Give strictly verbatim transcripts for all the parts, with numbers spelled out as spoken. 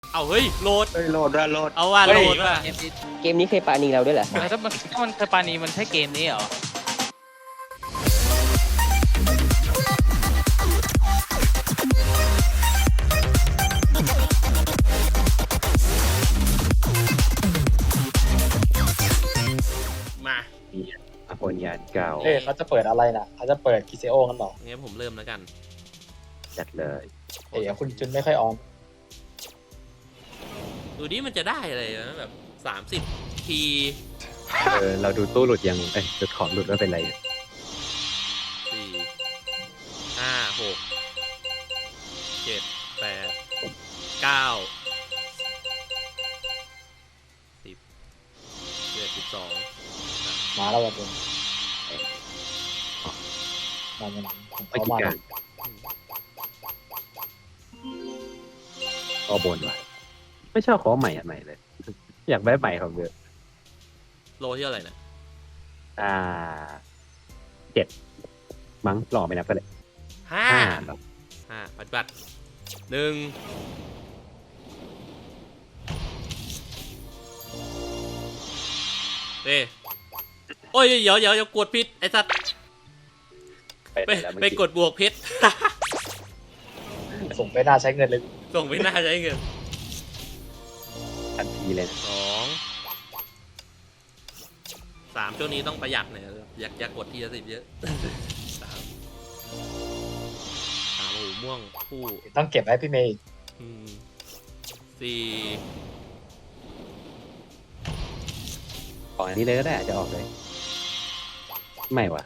เอาเฮ้ยโหลดเฮ้ยโหลดด้วยโหลดเอาว่าโหลดว่ะเกมนี้เคยปาณีเราด้วยเหรอถ้ามันถ้ามันเคยปานีมันใช่เกมนี้เหรอมาอโปนยานเก่าเอ้ยเขาจะเปิดอะไรนะเขาจะเปิดกิเซโอกันหรองั้นผมเริ่มแล้วกันจัดเลยเอ้ยคุณจุนไม่ค่อยออนดูดิมันจะได้อะไรนะแบบสามสิบทีเออเราดูตู้หลุดยังเอ้ยหลุดของหลุดว่าเป็นไรสี่ห้าหกเจ็ดแปดเก้าสิบเจ็ดสิบสองมาแล้ววันนึงมาเงินไม่เขากี่มาการก็บนว่ะไม่ชอบของใหม่อันใหม่เลย อยากได้ใหม่ของเยอะโลที่เท่าไหร่นะอ่าเจ็ดมั้งหล่อไม่นับก็เลยห้าห้าหรอห้าปฏิบัติหนึ่งเอ้โอ้ยเดี๋ยวเดี๋ยวเดี๋ยวกดผิดไอ้สัตว์ไปไปแล้วเมื่อไปกดบวกเพชรส่งไปน่าใช้เงินเลยส่งไม่น่าใช้เงินทันทีเลยนะสองสามช่วงนี้ต้องประหยัดหน่อยอยากอยากกดทีละสิบเยอะ สามสามโอ้โหม่วงคู่ต้องเก็บไว้พี่เมย์อืมสี่ขออันนี้เลยก็ได้จะออกเลย ไม่ว่ะ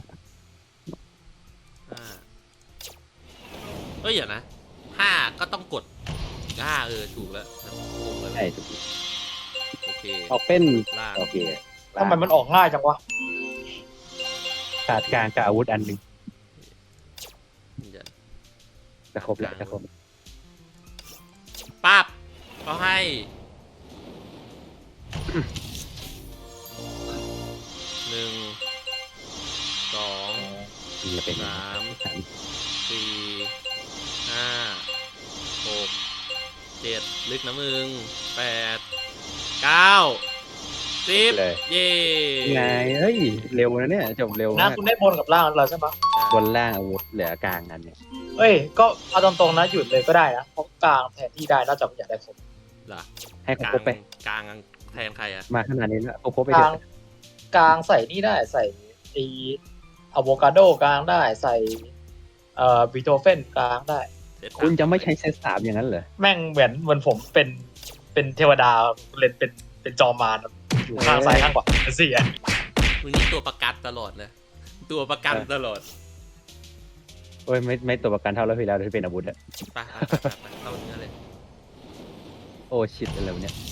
ห้าเอ้ยอย่านะห้าก็ต้องกดห้าเออถูกแล้วงงเลยใช่ถูกโอเคออกเป็นล่างโอเคทำไมมันออกง่ายจังวะขาดกลางกับอาวุธอันหนึ่งเดี๋ยวจะครบแล้วจะครบปั๊บเขาให้หนึ่งสองมันจะเป็นสามสามสี่ห้าหกเจ็ดลึกนะมึงแปดเก้าสิบเลยเย่ไงเฮ้ยเร็วนะเนี่ยจบเร็วนะมากคุณได้บนกับล่างแล้วใช่ไหมบนล่างอาวุธเหลือกลางอันเนี่ยเอ้ยก็เอาตรงๆนะหยุดเลยก็ได้นะเพราะกลางแทนที่ได้นอกจากอยากได้ครบเหรอให้เขากลางครบไปกลางแทนใครอะมาขนาดนี้แล้วครบครบไปกเถลางอะกลางใส่นี่ได้ใส่ไออะโวคาโดกลางได้ใส่เอ่อบีโธเฟนกลางได้เซตสาคุณจะไม่ใช้เซตสามอย่างนั้นเหรอแม่งเหมือนเหมือนผมเป็นเป็นเทวดาเล่นเป็นเป็นจอมมารอยู่ข้างซ้ายข้างขวาเป็นสี่อ่ะมึงนี่ตัวประกันตลอดเลยตัวประกันตลอดโอ้ยไม่ไม่ตัวประกันเท่าแล้วพี่แล้วที่เป็นอาวุธอะไปไปไปไปเข้าเนื้อเลยโอ้ชิดอะไรวะเนี่ย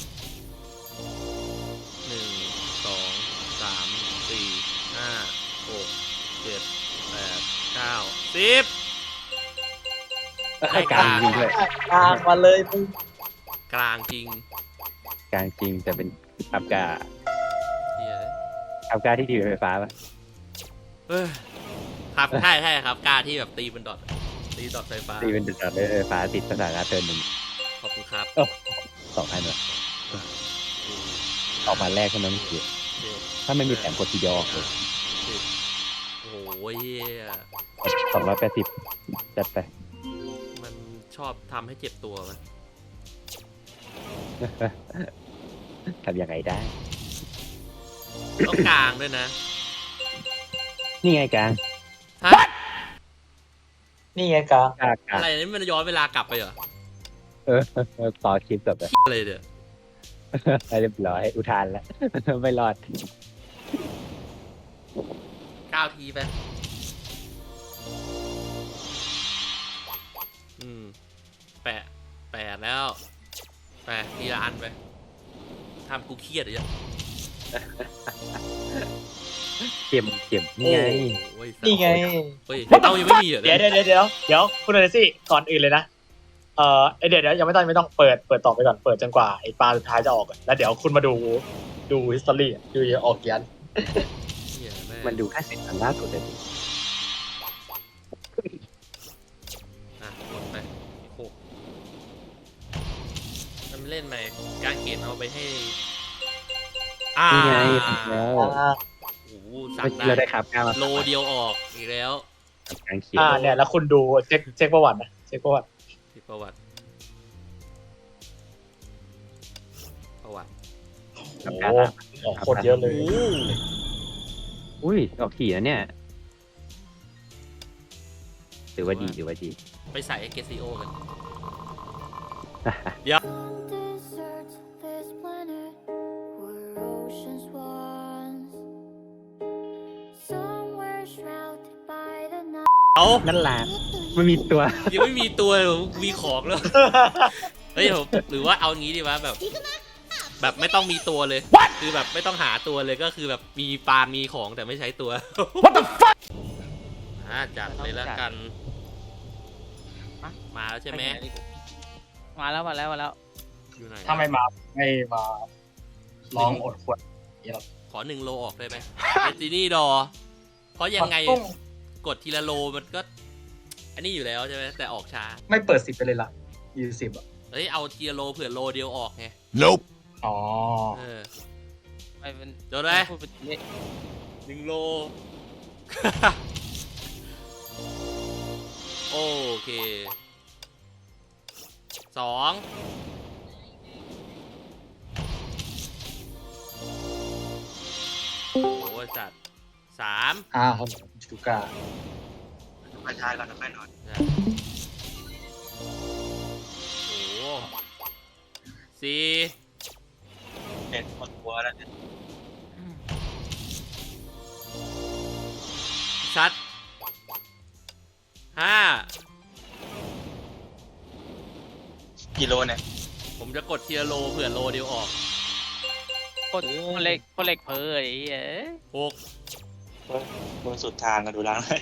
หนึ่งสองสามสี่ห้าหกเจ็ดแปดเก้าสิบให้กลางจริงด้วยกลางมาเลยมึงกลางจริงกลางจริงแต่เป็นอับกาเหี้ยอับกาที่ทีวีไฟฟ้าปะเอ้ยครับใช่ใช่ครับกล้าที่แบบตีเป็นดอทตีดอทไฟฟ้าตีเป็นจุดๆไฟฟ้าติดสถานะเทิร์นหนึ่งขอบคุณครับสองอันเลยสี่ออกมาแรกเท่านั้นคือเจ็ดถ้าไม่มีแถมกดทีเดียวออกเลยสิบโอ้โหเหี้ยสองร้อยแปดสิบจัดไปมันชอบทำให้เจ็บตัวมันทำยังไงได้ต้องกลางด้วยนะนี่ไงกลางฮะนี่ไงกลางกลางกลางอะไรนี่มันย้อนเวลากลับไปเหรอเออต่อคลิปจบแล้วอะไรเดี๋ยวเรียบร้อยอุทานแล้ว ไม่รอดเก้าทีไปอืมแปะแปดแล้วแปะทีละอันไปทำกูเครียดเลยอะเข็มเข็มนี่ไงโอ้ยนี่ไงเฮ้ยเต้ายังไม่มีเหรอเดี๋ยวเดี๋ยวเดี๋ยวเดี๋ยวเดี๋ยวคุณอเลซี่ก่อนอื่นเลยนะเอ่อเอ้ยเดี๋ยวเดี๋ยวยังไม่ต้องไม่ต้องเปิดเปิดต่อไปก่อนเปิดจนกว่าไอ้ปลาสุดท้ายจะออกก่อนแล้วเดี๋ยวคุณมาดูดูฮิสตอรี่ดูออกเกียนเหี้ยแม่งมันดูแค่สิบอันล่าสุดเลยดิอ่ะกดไปหกเล่นไหมกางเขนเอาไปให้อ่านี่ไงแล้วอ่าโอ้โหสั่เมื่อง กี้เราได้ได้ครับก้าวมาโลเดียวออกอีกแล้วกางเขียวอ่าเนี่ยแล้วคุณดูเช็คเช็คประวัตินะเช็คประวัติที่ประวัติประวัติโอ้โหออกโคตรเยอะเลยโอ้โหอุ้ยออกถี่นะเนี่ยถือว่าดีถือว่าดีไปใส่เกซีโอกัน Deserts this planet were oceans once. Somewhere shrouded by the night. เอานั่นแหละไม่มีตัวยังไม่มีตัวมีของแล้ว เฮ้ยผมหรือว่าเอางี้ดีวะแบบ แบบไม่ต้องมีตัวเลย คือแบบไม่ต้องหาตัวเลยก็คือแบบมีปลา มีของแต่ไม่ใช้ตัว What the fuck อ่าจัดเลยแล้วกัน มาแล้วใช่ไหมมาแล้วมาแล้วมาแล้วอยู่ไหนถ้าไม่มาไม่มาลองอดขวดขอหนึ่งโลออกได้ไหมเอจินี่ดอ เพราะยังไงกดทีละโลมันก็ อันนี้อยู่แล้วใช่ไหมแต่ออกช้าไม่เปิดสิบไปเลยล่ะยี่สิบอ่ะเฮ้ยเอาทีละโลเผื่อโลเดียวออกไง Nope. อ๋อเออไม่เป็นโดนไหมพูดเป็นเลขหนึ่งโล โอเคสองโอ้จัดสามอ่าครับชูก้ามาชายก่อนนะค่อยนอนโอ้สี่เด็ดหมดหัวแล้วชัดห้ากิโลเนี่ยผมจะกดทีละโลเผื่อโลเดียวออกกดคนเล็กคนเล็กเพอไอ้เหี้ยหกบนสุดทางกันดูล้างเลย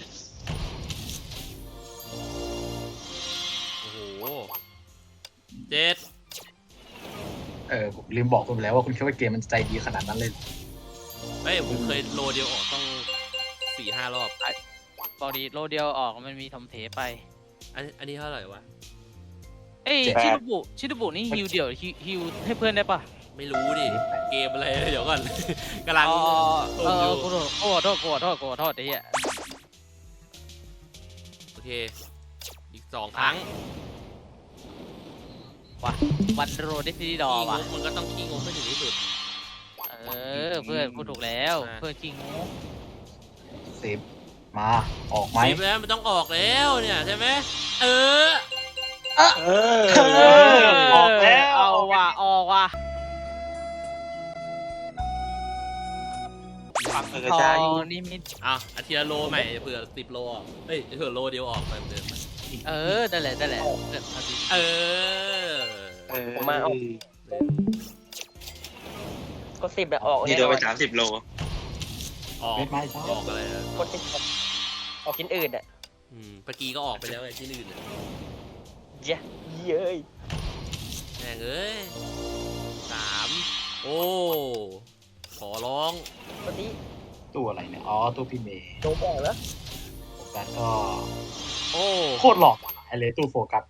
โอ้โหเจ็ดเออผมลืมบอกคุณไปแล้วว่าคุณคิดว่าเกมมันใจดีขนาดนั้นเลยเหรอเฮ้ยผมเคยโลเดียวออกต้องสี่ห้ารอบบอกดีโลเดียวออกมันมีทำเทไปอันอันนี้เท่าไหร่วะเอ้ยชิดบุชิดบุนี่ฮิวเดี่ยวฮิวฮิวให้เพื่อนได้ปะไม่รู้ดิ เกมอะไร เดี๋ยวก่อน กำลังอ๋อเอต้มอยู่อกูโทษกูขอโทษกูขอโทษกูขอโทษไอ้เหี้ยโอเค อีกสองครั้งว่ะวันโรดิฟิดอขี้งว่ะกมันก็ต้องขี้งกให้ถึงที่สุดเออเพื่อนพูดถูกแล้วอ่ะเพื่อนจริงงูสิบมาออกไหมสิบแล้วมันต้องออกแล้วเนี่ยใช่ไหมเออเออออกแล้วเอาว่ะออกว่ะฟังเออทอใช่นิมิตเอาอาทีละโลใหม่เผื่อสิบโลออกเฮ้ยเผื่อโลเดียวออกไปเดิมเออนั่นแหละนั่นแหละเพื่อนพอดีเออเออผมมาเอา ก็สิบแบบออกนี่แน่โดนนอไปนสามสิบโลออกเม็ดไม้ใช่ออกอะไรนะกดสิบออกชิ้นอื่นอ่ะอืมเมื่อกี้ก็ออกไปแล้วไอ้ที่อื่นน่ะเย้เย้ยแม่งเอ้ยสามโอ้ขอร้องวันนี้ตู้อะไรเนี่ยอ๋อตู้พี่เมย์โดนบอกแล้วโฟกัสก็โอ้โคตรหลอกไอเลยตู้โฟกัส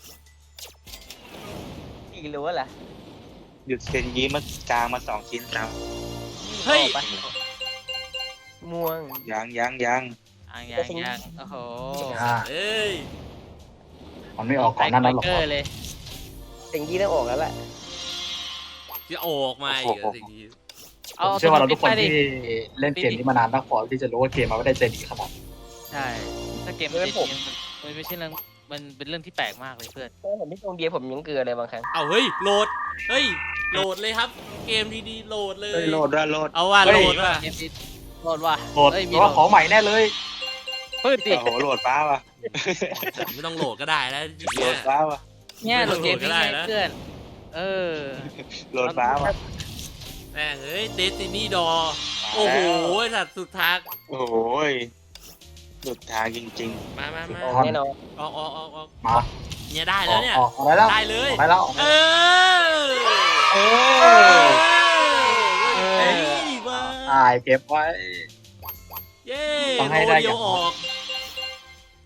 อีกหรือว่าล่ะหยุดเซนยี้มากลางมาสองชิ้นสามเฮ้ยออกไปม่วงยังยังยังอ่างยังยังโอ้โหอ่าเอ้ยมันไม่ออกก่อนหน้านั้นหรอกเกอร์เลยสิ่งที่ต้องออกแล้วแหละจะออกมาอีกเหรอสิ่งนี้ผมเชื่อว่าเราทุกคนไปดิที่เล่นเกมนี้มานานมากพอที่จะรู้ว่าเกมมันไม่ได้ใจดีขนาดนั้นใช่ถ้าเกมมันจริงๆมันไม่ใช่เรื่องมันเป็นเรื่องที่แปลกมากเลยเพื่อนเพราะผมที่ตรงเดียวผมยังเกลือเลยบางครั้งเอาเฮ้ยโหลดเฮ้ยโหลดเลยครับ เกมดีๆโหลดเลยเฮ้ยโหลดด้วยโหลดเอาว่าโหลดว่ะเกมที่โหลดว่ะโหลดเอ้ยเพมีราะว่าของใหม่แน่เลยปืนดิโอ้โหโหลดฟ้าว่ะไม่ต้องโหลดก็ได้แล้วทีโหลเนี้ยดฟ้าว่ะเนี่ยโหลดเกมนี้ไงเพื่อนเออโหลดฟ้าว่ะแม่งเฮ้ยเดซินี่ดอโอ้โหสัตว์สุดทางโอ้โหหลุดทางจริงมามามาอ๋อแน่นอนออกออกออกออกมาเนี่ยได้อแล้อวกเนี่ยออกออกได้แล้วได้เลยออกได้แล้วออกเอได้แล้วอๆ เอเอออเฮ้ยมาถ่ายเก็บไว้เย้ต้องให้โลได้เดียวอย่างออก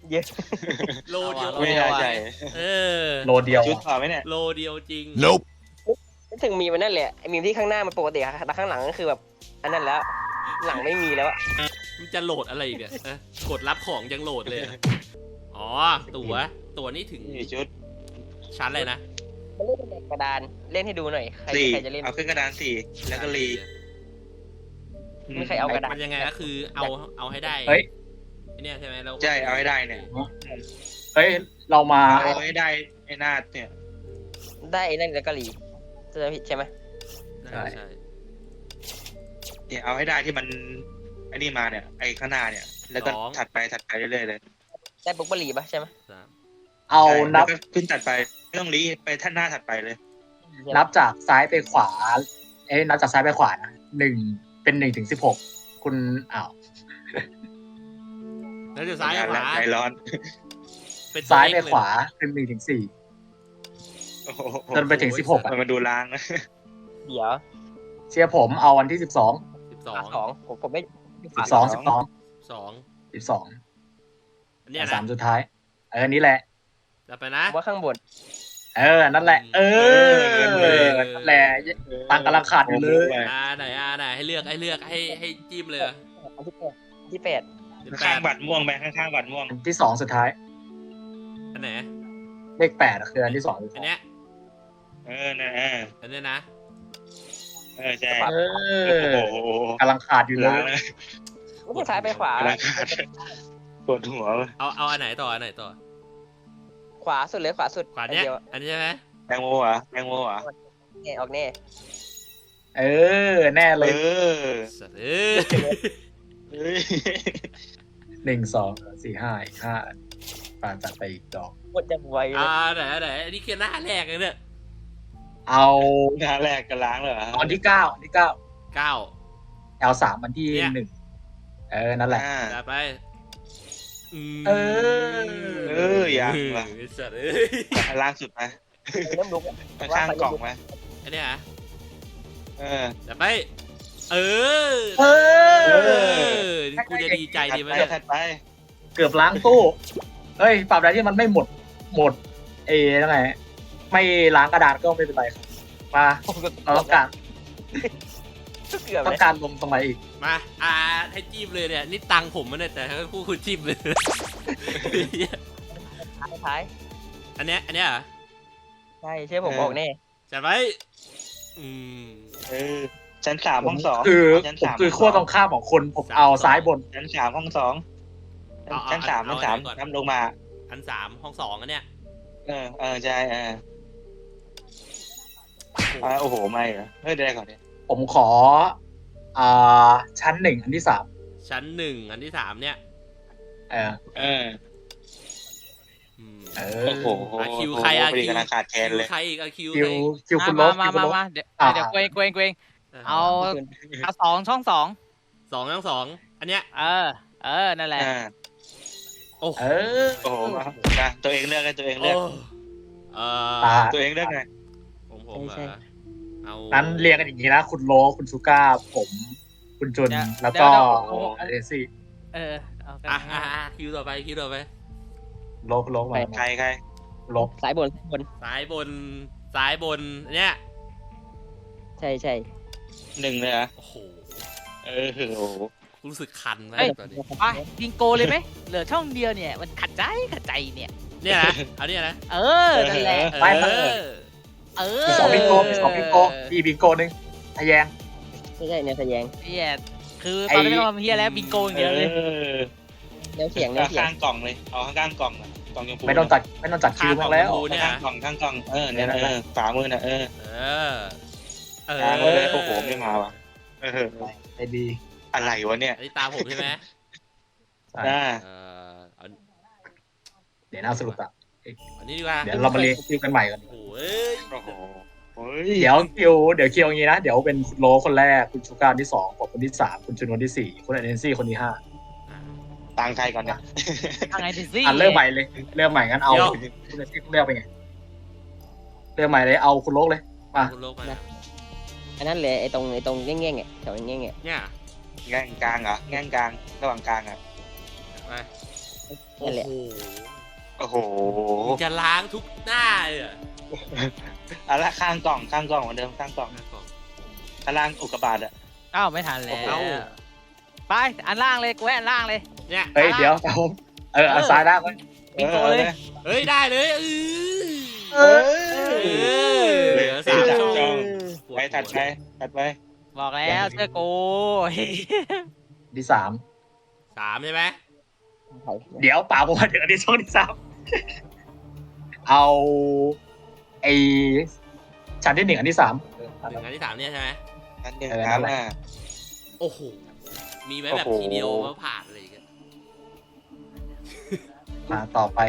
เยอะโลเดียวไม่ได้ใจเออโลเดียวชุดพอไหมเนี่ยโลเดียวจริงนึกถึงมีมันนั่นแหละไอ้มีมที่ข้างหน้ามันปกติอะแต่ข้างหลังก็คือแบบอันนั้นแล้ว หลังไม่มีแล้วอะมันจะโหลดอะไรอีกเนี่ยนะกดรับของยังโหลดเลยอะอ๋อ ตั๋ว ตั๋วนี่ถึงนี่ชุดชั้นอะไรนะมันเล่นเป็นกระดานเล่นให้ดูหน่อยใครสี่ใครจะเล่นเอาขึ้นกระดานสี่แล้วก็รีไม่ใครเอากระดาษมันยังไงก็คือเอาเอาให้ได้เฮ้ยไอ้เนี่ยใช่ไหมเราใช่เอาให้ได้เนี่ยเฮ้ยเรามาเอาให้ได้ไอ้หน้าเนี่ยได้ไอ้นั่นแล้วก็รีจะผิดใช่ไหมใช่ใช่เนี่ยเอาให้ได้ที่มันไอ้นี่มาเนี่ยไอ้ข้างหน้าเนี่ย แล้วก็ถัดไปถัดไปเรื่อยๆเลยได้ปุ๊บก็รีปะใช่ไหมสามเอาใช่นับแล้วก็ขึ้นถัดไปไม่ต้องรีไปท่านหน้าถัดไปเลยนับจากซ้ายไปขวา เอ้ยนับจากซ้ายไปขวานะหนึ่งเป็นหนึ่งถึงสิบหกคุณอ้าวแล้วจะซ้ายกับขวาใจร้อนเป็นตัวซ้ายไปเลขเลขวาเป็นหนึ่งถึงสี่โอ้โหจนไปถึงสิบหกอะมันมาดูล้างนะเดี๋ยวเชียร์ผมเอาวันที่สิบสองสิบสอฝาง สองผมผมไม่สิบสองสิบสองสองสิบสองอันเนี้ยสานะมสุดท้าย เออนี่แหละจะไปนะว่าข้างบนเออนั่นแหละ เออนั่นแหละตังค์กำลังขาดอยู่เลยอ่าไหนอ่าไหนให้เลือกให้เลือกให้ให้จิ้มเลยอะอันที่แปดอันที่แปดเดี๋ยวแปข้างดบัตรม่วงไปข้างๆบัตรม่วงอันที่สองสุดท้ายอันไหนเลขแปดอะคืออันที่สองสุดอัท้าน ยเนี้ยเออนะเอออันเนี้ยนะเออใช่เอโอ้อโหกำลังขาดอยู่เลล้างยนะไม่ใช่ซ้ายไปขวาล้างขาดปวดหัวเลยเอาเอาอันไหนต่ออันไหนต่อขวาสุดเลยขวาสุดขวาเนี้ยอัดียวอันนี้ใช่ไหมแตงโมเหรอ่ะแตงโมเหรอ่ะแน่ออกแน่เออ แน่เลเอย อสัตว์เอ้ยเฮ้ยหนึ่งสองสี่ห้าอีกห้าปานจัดไปอีกดอกหมดจะไวเลอ่าย ไหนอันไหนอันนี้คือหน้าแรกเลยเนี่ยเอาหน้าแรกก็ล้างเลยเหรออันที่เก้าอันที่เก้าเก้าเอาสามอันที่เนี่ยหนึ่งเออ นั่นแหละอ่าจัดไปมเออเออยังว่ะไอ้สัตว์เอ้ยล้างสุดไหมเริ่มลุกข้างๆกล่องไหมอันเนี้ยฮะเออจัดไป เออเอเออนี่กูจะดีใจถัดดีไหมไปเนี่ยถัดไปเกือบล้างตู้ เฮ้ยปรับอะไรที่มันไม่หมด หมด เอยังไง ไม่ล้างกระดาษก็ไม่เป็นไรครับมาเราต้องการเกือบต้อเลงยการลงตรงไหนอีกมาอ่าให้จิ้มเลยเนี่ยนี่ตังค์ผมมันเนี่ยแต่ให้คู่คุณจิ้มเลยท้ายอันเนี้ยอันเนี้ยเหรอใช่เชื่อผมออกแน่จัดไปอืมเออชั้นสามห้องสองคือชั้นผมสามคือขั้วตรงข้ามของคนผมเอาซ้ายบนชั้นสามห้องสองชั้นสามชั้นสามน้ำลงมาอันสามห้องสองอันเนี้ยเออเออใช่เอออ่าโอ้โหไม่เหรอเฮ้ยเดี๋ยวก่อนดิผมขอ อ่า ชั้นหนึ่งอันที่สามชั้นหนึ่งอันที่สามเนี่ยเออเอออืมเอโอ้อโหอ่ะคิวใครอ่ะพอดีคิวกำลังขาดแคลนเลยใครอีกอะคิวคิวใครอีกคิวคุณลมาบมาคิวคุมาณลบมาเดี๋ยวอ่าเดี๋ยวเกรงเกรงเกรงเอาเอาสองช่องสองสองทั้งสองอันเนี้ยเออ เออ นั่นแหละอ่าโอ้เออโอ้โหนะตัวเองเลือกกันตัวเองเลือกเออตาตัวเองเลือกไงผมผมเหรอเอานั้นเรียงกันอย่างนี้นะ คุณโล คุณชูก้า ผม คุณจุนเดี๋ยวแล้วก็เดี๋ยวเดี๋ยวโอ้เอซี่เออเอากันอ่ะอ่ะอ่ะคิวต่อไปคิวต่อไปโลคุณโลมาใครใครลบสายบนบนซ้ายบนซ้ายบนเนี่ยใช่ใช่หนึ่งเลยเหรอโอ้โหเออโอ้โหรู้สึกคันไหมเฮ้ยตอนนี้ไปบิงโกเลยไหมเหลือช่องเดียวเนี่ย มันขัดใจขัดใจเนี่ยเนี่ยนะเอาเนี่ยนะเออ นั่นแหละไปเอไปอเออมีสองบิงโกมีสองบิงโกมีบิงโกหนึ่งทะแยงไม่ใช่แนวแสดงเนี่ยคือตอนนี้ไม่ต้องทำเฮียแล้วบิงโกอย่างเดียวเลยเออแนวเสียงแนวเอาเสียงข้างกล่องเลยเอาข้างข้างกล่องอะกล่องยมพูไม่ต้องจัดไม่ต้องจัดคิวข้างมาแล้วของข้างกล่องข้างกล่องเออเนี่ยนะเออฝามือน่ะเออเออเออล้างไว้เลยโอ้โหไม่มาว่ะเออไอ้ดีอะไรวะเนี่ยอันนี้ตามผมใช่ไหมอ่าเออเอาเดี๋ยวน่าสรุปอ่ะอันนี้ดีกว่าเดี๋ยวเรามาเรียงคิวกันใหม่ก่อนโอ้โหเอ้ยโอ้โหเฮ้ยเดี๋ยวคิวเดี๋ยวคิวอย่างนี้นะ เดี๋ยวเป็นคุณโลคนแรก คุณชูก้าคนที่สองผมคนที่สามคุณจุนคนที่สี่คุณเอเนซี่คนที่ห้าตังใครก่อนเนี่ยทางไงดิซี่อ่ะเริ่มใหม่เลย เริ่มใหม่งั้นเอาคุณเอเนซี่คุณเลือกไปไงเริ่มใหม่เลยเอาคุณโลกเลย มาคุณโลกมาอันนั้นเลยไอ้ตรงไอ้ตรงแง่งๆอ่ะแถวแง่งๆอ่ะเนี่ยแง่งกลางเหรอแง่งกลางระหว่างกลางอ่ะไปเโอ้นั่นแหละโหโอ้โหมึงจะล้างทุกหน้าเลยเหรอเอาละข้างกล่องข้างกล่องเหมือนเดิมข้างกล่องหน้ากล่องข้างล่างอุกกาบาตอะอ้าวไม่ทันแล้วเอ้าไปอันล่างเลยกูให้อันล่างเลยเนี่ยเฮ้ยเดี๋ยวเอาเออเอาซ้ายล่างไว้บิงโกเลยเฮ้ยได้เลยเออเอเอออเหลือสามช่องไปถัดไปถัดไปบอกแล้วเชื่อกูที่สามสามใช่ไหมเดี๋ยวป่าผมมาถึงอันที่ช่องที่สามเอาไอชั้นที่หนึ่งอันที่สามเออหนึ่งอันที่สามเนี่ยใช่ไหมอันหนึ่งเออคนั่รับนแหละอ่าโอ้โหมีไหมแบบโอ้โหทีเดียวว่าผ่านอะไรอย่างเงี้ยมาต่อไป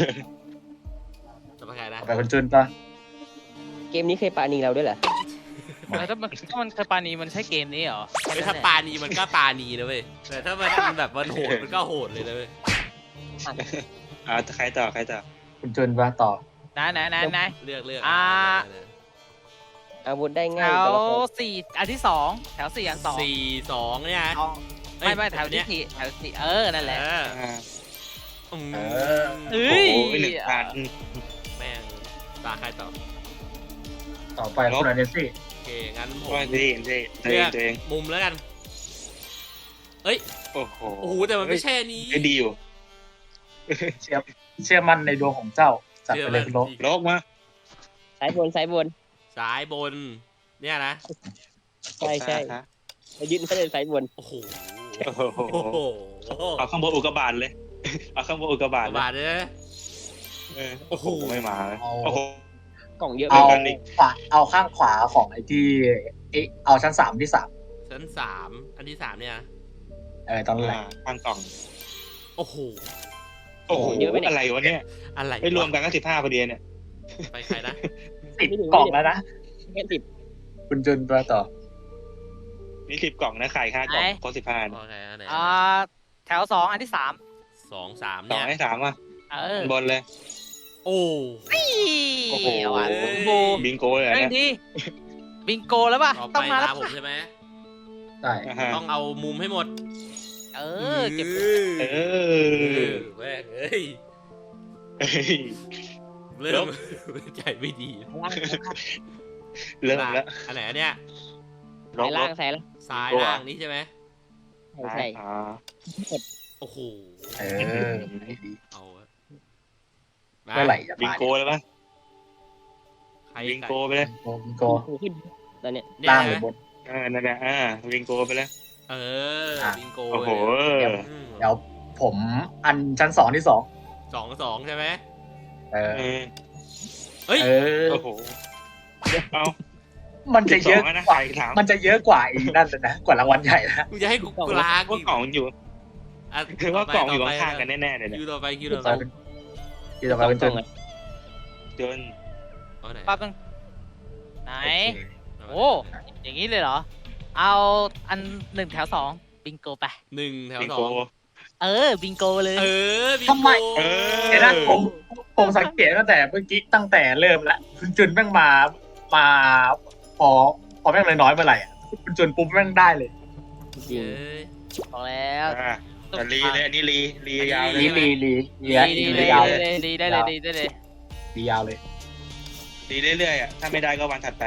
จะไปใครนะต่อไปคุณจุนปะเกมนี้เคยปานีเราด้วยเหรอแล้วถ้ามันถ้ามันเคยปานีมันใช่เกมนี้เหรอไม่ถ้าปานีมันก็ปานีนะเว้ยแต่ถ้ามันแบบมันโหดมันก็โหดเลยนะเว้ยอ่าใครต่อใครต่อคุณจุนปะต่อนะนะนะนะเลือกเลือกอ่าอาวุธได้แถง่ายว แต่ละคนสี่อันที่สองแถวสี่อันสองสี่สองเนี่ยนะเอาเอ้ไม่ยไม่แถวเนี้ที่ยสี่แถวสี่เออนั่นแหละเอออ่าอืมเออเอ้โอ้ยโหหนึ่งพันแม่งตาใครต่อต่อไปคุณอาเนซี่โอเคงั้นผมว่าดีดีตัวเลืเออง กตัวเองมุมแล้วกันเอ้ยโอ้โหโอ้โหแต่มันไม่ใช่อันนี้ไอ้ดีอยู่เชื่อเชื่อมั่นในดวงของเจ้าจัดไปเลยคุณโลกโลกมาสายบนสายบนสายบนเนี่ยนะใช่ใช่ฮะเรายึดเขาเลยสายบนโอ้โหโอ้โหโอ้โหเอาข้างบนอุกกาบาตเลย เอาข้างบนอุกกาบาตกระเลยบาดเลยนะเออโอ้โหไม่มาเลยโอ้โหกล่องเยอะเอาไปกันอีกขวาเอาข้างขวาของไอ้ที่เอยเอาชั้นสามที่สามชั้นสามอันที่สามเนี่ยนะเออตอนแรกอ่าข้างกล่องโอ้โหโอ้โหอะไรวะเนี่ยอะไรไม่รวมกันก็สิบห้าพอดีเนี่ยไปใครนะสิบกล่องแล้วนะแค่สิบคุณจุนตัวต่อนี่สิบกล่องนะไข่ค่ากล่องครบสิบห้าโอเคอันไหนอ่าแถวสองอันที่สามสองสามสอเนี่งยให้สามอ่ะเออบนเลยโอ้โอ้โหเอาอ่ะบิงโกบิงโกเลยเรื่องเนี่ยดีบิงโกแล้วป่ะต่อไปต้องมาแล้วตามผมใช่ไหมได้อ่าฮะต้องเอามุมให้หมดเออเก็บเอเอออแม่งเอ้ยเฮ้ยเริ่มใจไม่ดีล่างเริ่มแล้วอันไหนอันเนี้ยลสาบยลล่าบงสายล่างซ้ายตัวล่างนี้ใช่ไหมใช่ใช่อ่าโอ้โหเออดีเอาอะเมื่อไหร่จะบิงมาโกเลยปะใครบิงโกไปเลยโกบิงโกหูขึ้นตอนเนี้ยเนี่ยล่างหรือนะบนอ่านั่นแหละอ่าบิงโกไปเลยเอออ่ะบิงโกโอ้โหเลยอืมเดี๋ยวผมอันชั้นสองที่สองสองสองใช่ไหมเออเออเฮ้ยเออโอ้โหเอามันจะเยอะสิบสงแล้วนะกว่าไข่สามมันจะเยอะกว่าอีกนั่นเลยนะ กว่ารางวัลใหญ่นะมึงจะให้กูกลางว่ากล่องอยู่อ่ะคือว่ากล่องอยู่ต่ไปข้างๆกันแน่ๆเลยคิเนี่วย ต่อไปคิวต่ต่ออไปไปเป็นที่ต่อไปเป็นจุนจนเอาไหนปั๊บนึงไหนเอาโอ้อย่างนี้เลยเหรอ เอาอันหนึ่งแถวสองบิงโกไปหนึ่งแถวบิงสอโกงเออบิงโกเลยเออบิงทำไมโกเออเดี๋ยวนะผมผมสังเกตตั้งแต่เมื่อกี้ตั้งแต่เริ่มแล้วคุณจุนแม่งมามาพอพอแม่งเลยน้อยเมื่อไหร่อ่ะคุณจุนปุ๊บแม่งได้เลยจริงเอ้ยบอกแล้วอ่าแต่รีเลยอันนี้รีรียาวเลลียลีลีลีดีลีดีลีดียาวเลยดีดีได้เลยดีได้เลยลียาวเลยรีเรื่อยๆอ่ะถ้าไม่ได้ก็วันถัดไป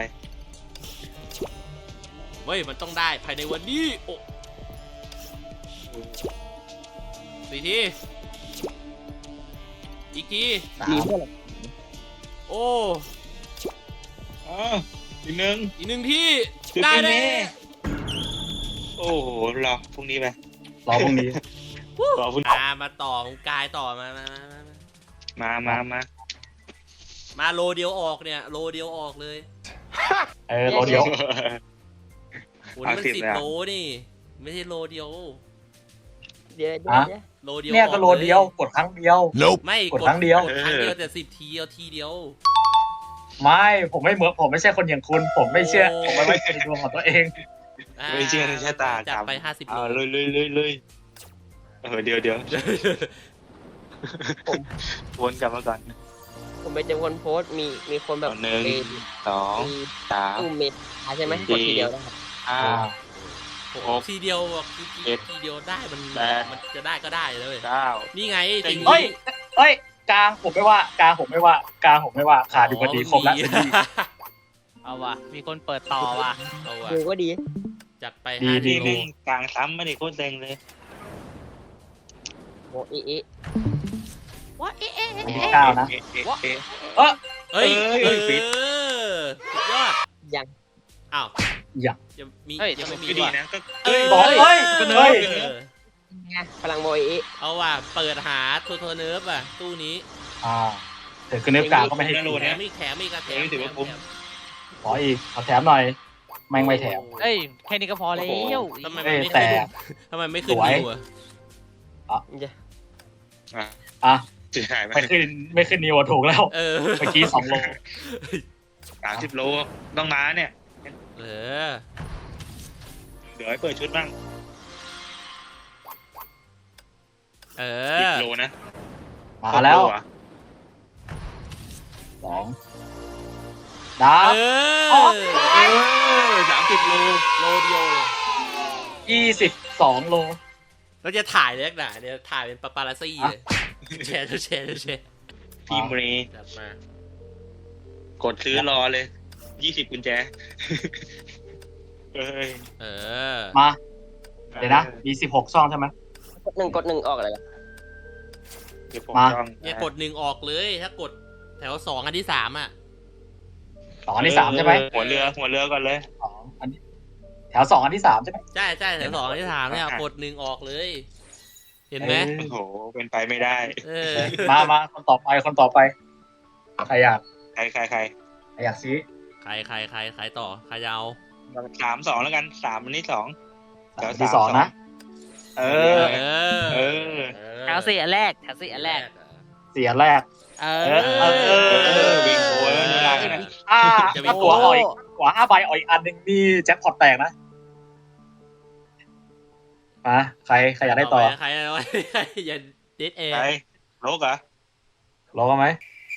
เว้ยมันต้องได้ภายในวันนี้โอ้สี่ทีอีกทีสามีมเพื่อนหรอโอ้อ๋ออีกหนึ่งอีกหนึ่งที่คือได้พรุ่งแน่นี้ โอ้โหรอพรุ่งนี้ไปรอพรุ่งนี้รอพรุ่งนี้มามาต่อของกายต่อมามามามามามามามาโลเดียวออกเนี่ย โลเดียวออกเลยเออรอเดียวโหนี่มันเอาสิบสิบเลยอะโลนี่ ไม่ใช่โลเดียวเดี๋ยวเดี๋ยวเดี๋ยวโลเดียวเนี่ยก็โลออเดียวกดครั้งเดียวไม่กดครั้งเดียวกดครั้งเดียวแต่สิบทีเอาทีเดียวไม่ผมไม่เหมือนผมไม่ใช่คนอย่างคุณ ผมไม่เชื่อโอ้ผมไม่ไว้ใจในดวงของตัวเองอ่าไม่เชื่อในชะตาจับครับไปห้าสิบโลเอาเลยเลยเลยเลยเออเดี๋ยวเดี๋ยววนกลับมาก่อนผมไปเจอคนโพสต์มีมีคนแบบเอาหนึ่งมีสองมีสามตู้เมทใช่ไหมสี่กดทีเดียวได้ห้าโอ้โหทีเดียวอะคือทีเดียวได้มันมันจะได้ก็ได้เลยเก้านี่ไงจริงเฮ้ยเฮ้ยกลางผมไม่ว่ากลางผมไม่ว่ากลางผมไม่ว่าขาดอยู่พอดีครบแล้วเอาว่ะมีคนเปิดต่อว่ะเอาว่ะดูก็ดีจัดไปดีห้าดีกิโลหนึ่งกลางซ้ำไม่ได้โคตรเซ็งเลยโมอีอีว่าเอ๊ะเอ๊ะอันเอ๊ะนี้เอ๊ะเก้านะเอ๊ะเอ๊ะเอ๊ะเอ้ยเอ้ยเอเอ้อยฟิตสุดยอดยังอ้าวยังยังมีเฮ้ยยังไม่มีก็ดีว่ะนะก็เอ้ยบอกเฮ้ยก็เฮ้ยเออไงพลังโมอีอีเอาว่ะเปิดหาโทโทเนิร์ฟอ่ะตู้นี้อ่าเดี๋ยวคือเนื้อกลางก็ไม่ให้ไม่รู้แถนะมอีกแถมอีกอะแถมไม่ถือว่าคุ้มแถมขออีกเอาแถมหน่อยแม่งไม่แถมเอ้ยแค่นี้ก็พอแล้วทำไมเอ้มันยไม่แต่ขึ้นทำไมไม่ขึ้นสวยนิวอะอ่ะอ่ะจะหายไปไม่ขึ้นไม่ขึ้นนิวถูกแล้วเออเมื่อกี้สองโลสามสิบโลต้องมาเนี่ยเออเดี๋ยวให้เปิดชุดบ้างเอสิบอโลนะมาแล้วครบโอะสองดาเอวอเออสามสิบโลโลเดียวเลยยี่สิบสองโลเราจะถ่ายเลยนักหนาเนี่ยถ่ายเป็นปาปารัสซี่เลยแชร์แชร์แชร์พี่เมย์จัดมากดซื้อรอเลยยี่สิบกุญแจเอ้ยเออมาเดี๋ยวนะมีสิบหกช่องใช่ไหมกดหนึ่งกดหนึ่งออกอะไรกันเดี๋ยวผมมาจ้องเนี่ยกดหนึ่งออกเลย ถ้ากดแถวสองอันที่สามอ่ะสองอันที่สามใช่ไหมเออหัวเรือหัวเรือก่อนเลยสองอันนี้แถวสองอันที่สามใช่ไหมใช่ใช่แถวสองอันที่สามเนี่ยกดหนึ่งออกเลย เห็นไหมเอโอ้โหเป็นไปไม่ได้เออมามาคนต่อไปคนต่อไปใครอยากใครใครใครใครอยากซื้อใครใครใครใครต่อใครจะเอาสามสองแล้วกันสามอันนี้สองสามอันที่สองนะเออเออเออแถวสี่อันแรกแถวสี่อันแรกเสียแรกเอเอออเออเออวิ่งโวยแล้วเวลาเนี่ยอ่าถ้าตัวอ่อยกว่าห้าใบอ่อยอีกอันหนึ่งนี่แจ็คพอตแตกนะมาใครใครอยากได้ต่อใครเอาไว้ใครอย่าเด็ดแอร์ใครโลกเหรอรอไหม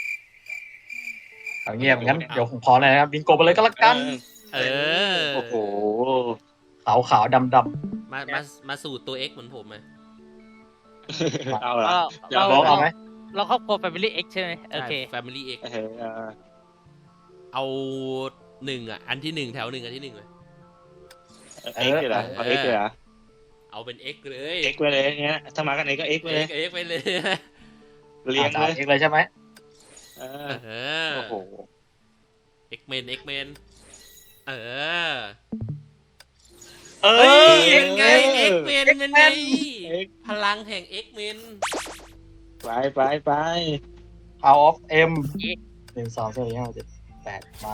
เอาเงียบงั้นเดี๋ยวผมขอเลยนะครับบิงโกไปเลยก็แล้วกันเออโอ้โหขาวขาวดำดมามามาสูตรตัว X เหมือนผมไหมเอาละเราำเราลองเอาไหมเราครอบครัว Family X ใช่ไหมโอเคใช่ Family X เออเออเอาหนึ่งอ่ะ อันที่หนึ่งแถวหนึ่งอันที่หนึ่งเลยเอ็กซ์เลยเหรอเอาเอ็กซ์เลยเหรอเอาเป็น X เลยเอ็กซ์ไปเลยเงี้ยถ้ามากันไหนก็เอ็กซ์ไปเลย X X ไปเลยเรียงอ่าเลยเอกเลยใช่ไหมเออเออโอ้โห X Men X Men เออเอ้เฮ้ยยเป็นไง X Men เป็นไง X พลังแห่ง X Men ไปไปไป Power of M หนึ่งสองสามสี่ห้าเจ็ดแปดมา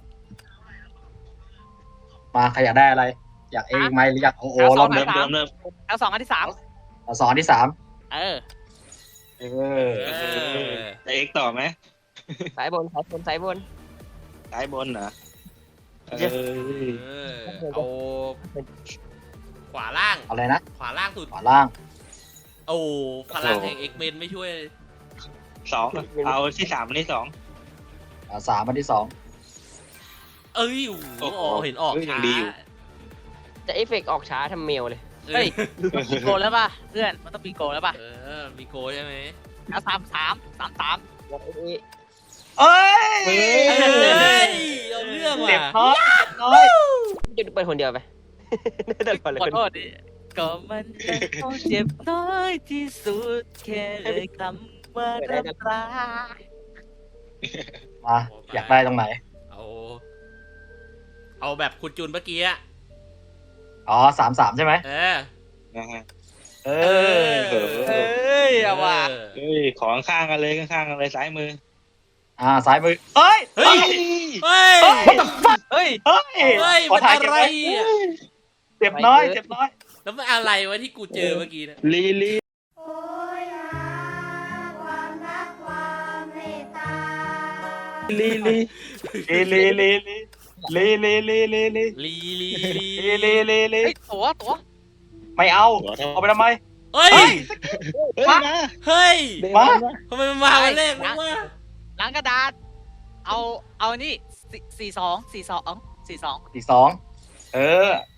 มาใครอยากได้อะไร อยากเองไหมหรืออยากโอโอเอาสรออง บเริ่มเริ่มเริ่มแถวสองอันที่สามเอาสองอันที่สามเออเออเออจะเอ็กซ์ต่อไหมสายบนสายบนสายบนซ้ายบนเหรอเออเออเอาขวาล่างอะไรนะขวาล่างสุดขวาล่างโอ้พลังแห่ง X Men ไม่ช่วยสองเอาที่สามอันที่สองอ่าสามอันที่สองเอ้ยโอ้โหโอ้โหเห็นออกเฮ้ยยัช้างดีอยู่จะเอฟเฟกต์ออกช้าทำเมลเลยเออเฮ้ยมีโกลแล้วป่ะเพื่อนมันต้องมีโกลแล้วป่ะเออ มีโกใช่ไหมแถวสามสามสามสามโมอีอีเอ้ยเฮ้เฮ้ยยเอาเรื่องเจ็บว่ะน้อยเจ็บน้อยจะเปิดคนเดียวไปเดินก่อนเลยขอโทษดิก็มันเป็นเจ็บน้อยที่สุดแค่เลยคำว่ารักรักมาอยากได้ตรงไหนเอา เอาแบบคุณจูนเมื่อกี้อะอ๋อสามสามใช่ไหมเออเอเออเฮ้ยเอาว่ะเฮ้ยของข้างกันเลยข้างๆกันเลยซ้ายมืออ่าซ้ายมือเอ้ยเฮ้ย เฮ้ยเฮ้ยเฮ้ยเฮ้ยขอมันถ่ายอะเก็บไรไว้อ่ะเจ็บน้อยเจ็บน้อยแล้วมันอะไรวะที่กูเจอเมื่อกี้นะลีลีโอยหาความรักความเมตตาลีลีลีลีลีลีลีลีลีลีลีลีลีลีลีลีลีเฮ้ยตัวตัวไม่เอาเอาไปทำไมเฮ้ยเฮ้ยมาเฮ้ยเดี๋ยวมามาทำไมมันมาวันแรกวะวะล้างกระดาษ เอาเอานี่สี่สี่สองสี่สองสี่สองสี่สองเออ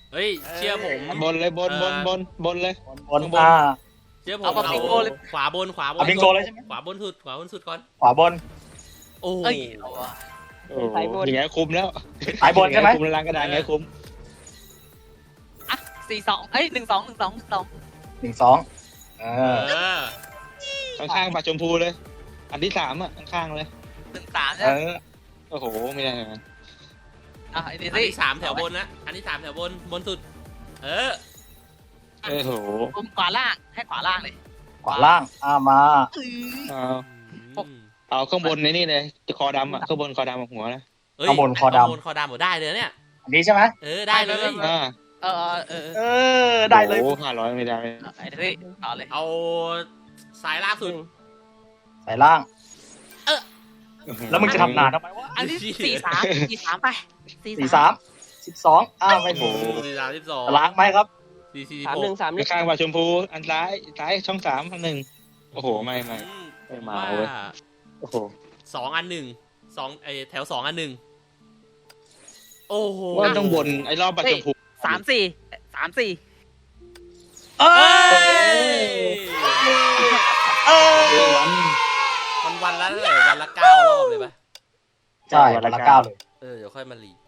เฮ้ยเชื่อผมบนเลยบนบนบนบนเลยบนอ่าเชื่อผมเอาแบบบิงโกเลยขวาบนขวาบนเอาบิงโกเลยใช่ไหมขวาบนสุดขวาบนสุดก่อนขวาบนโอ้เอ้ยเอาว่ะโอ้โหอย่างเงี้ยคุ้มแล้วสายบนใช่ไหมคุ้มแล้วล้างกระดานเงี้ยคุ้มอ่ะสี่สองเอ้ยหนึ่งสองหนึ่งสองหนึ่งสองหนึ่งสองเอเอออข้างๆปลาชมพูเลย อันที่สามอ่ะข้างๆเลยหนึ่งสามเอใช่ไหมอโอ้โหไม่ได้นะอ่ะไอ้เดอันซี่ที่สามแถวบนนะอันที่สามแถวบนบนสุด เออโอ้โหผมขวาล่างให้ขวาล่างเลยขวาล่างอ่ามาเอาอืมเอาข้างบนในนี่เลยคอดำอ่ะข้างบนคอดำกับหัวนะเอ้ยข้างบนคอดำข้างบนคอดำหมดได้เลยเนี่ยอันนี้ใช่ไหมเออได้เลยอ่าเออเออเออเออได้เลยโอ้ห้าร้อยไม่ได้ไอ้เดซี่ต่อเลยเอาสายล่างสุดสายล่าง แล้วมึงจะทำนานทำไมวะอันที่สี่สามสี่สามไปสี่สามสิบสองอ้าวไม่โอ้ถูกโหสี่สามสิบสองล้างไหมครับสี่สี่สามหหนึ่กงสามหนึ่งข้างปลาชมพูอันซ้ายซ้ายช่องสามอันหนึ่งโอ้โหไม่ไม่อืมไม่มาว่าเว้ย โอ้โหสองอันหนึ่งสองไอแถวสองอันหนึ่งโอ้โหว่าต้องบนไอ้รอบปลาชมพูสามสี่สามสี่เอเอ้อย เออวันวันละเท่าไหร่วันละเก้ารอบเลยปะใช่วันละเก้าเลยเออเดี๋ยวค่อยมารี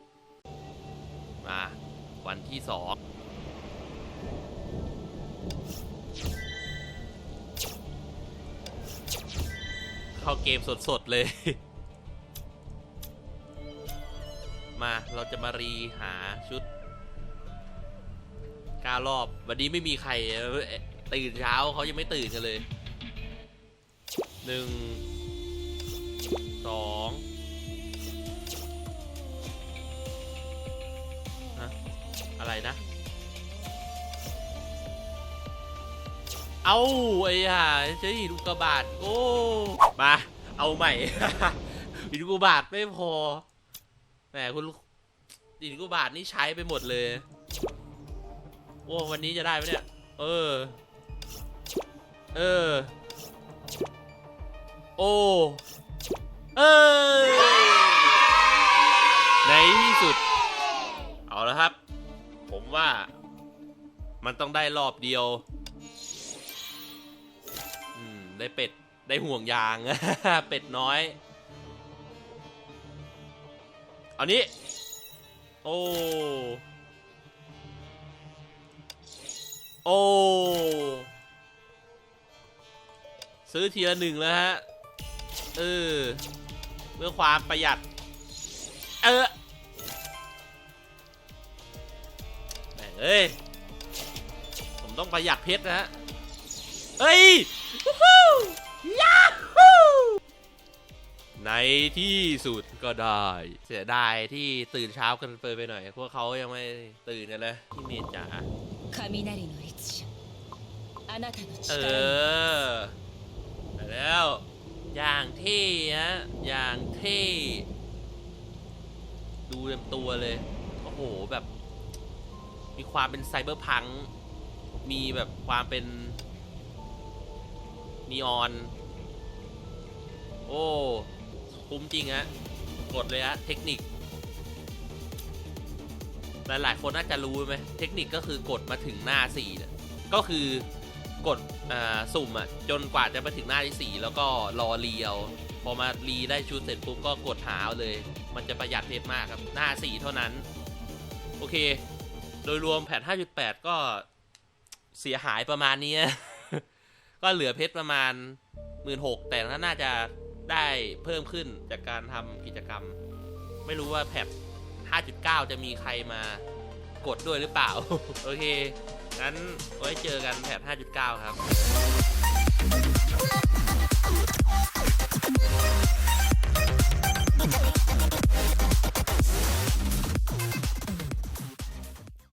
มาวันที่สองเข้าเกมสดๆเลย มาเราจะมารีหาชุดเก้ารอบ วันนี้ไม่มีใครตื่นเช้าเขายังไม่ตื่นกันเลยหนึ่งสองฮะอะไรนะ เอาไอ้ห่าเจ๊หินอุกกาบาตโอ้มาเอาใหม่ หินอุกกาบาตไม่พอแหมคุณหินอุกกาบาตนี่ใช้ไปหมดเลยโอ้วันนี้จะได้ไหมเนี่ยเออเออโอ้เออในที่สุดเอาละครับ ผมว่ามันต้องได้รอบเดียวอืมได้เป็ดได้ห่วงยาง เป็ดน้อยเอานี้โอ้โอ้ซื้อทีละหนึ่งแล้วฮะเออเพื่อความประหยัดเออแม่งเอ้ยผมต้องประหยัดเพชรนะฮะเฮ้ยวู้ฮู้ยาฮู้ในที่สุดก็ได้เสียดายที่ตื่นเช้ากันเปิดไปหน่อยพวกเขายังไม่ตื่นกันเลยพี่เมย์จ๋า雷の律者あなたのเอ力にอไปแล้วอย่างเท่ฮะอย่างเท่ดูเต็มตัวเลยโอ้โหแบบมีความเป็นไซเบอร์พังค์มีแบบความเป็นนีออนโอ้คุ้มจริงฮะกดเลยฮะเทคนิคหลายๆคนน่าจะรู้ไหมเทคนิคก็คือกดมาถึงหน้าสี่เนี่ยก็คือกดสุ่มอ่ะจนกว่าจะมาถึงหน้าที่สี่แล้วก็รอรีเอาพอมารีได้ชุดเสร็จปุ๊บก็กดหาเอาเลยมันจะประหยัดเพชรมากครับหน้าสี่เท่านั้นโอเคโดยรวมแพท ห้าจุดแปด ก็เสียหายประมาณนี้ ก็เหลือเพชรประมาณ หนึ่งหมื่นหกพัน แต่น่าจะได้เพิ่มขึ้นจากการทำกิจกรรมไม่รู้ว่าแพท ห้าจุดเก้า จะมีใครมากดด้วยหรือเปล่า โอเคงั้นไว้เจอกันแพท ห้าจุดเก้า ครับ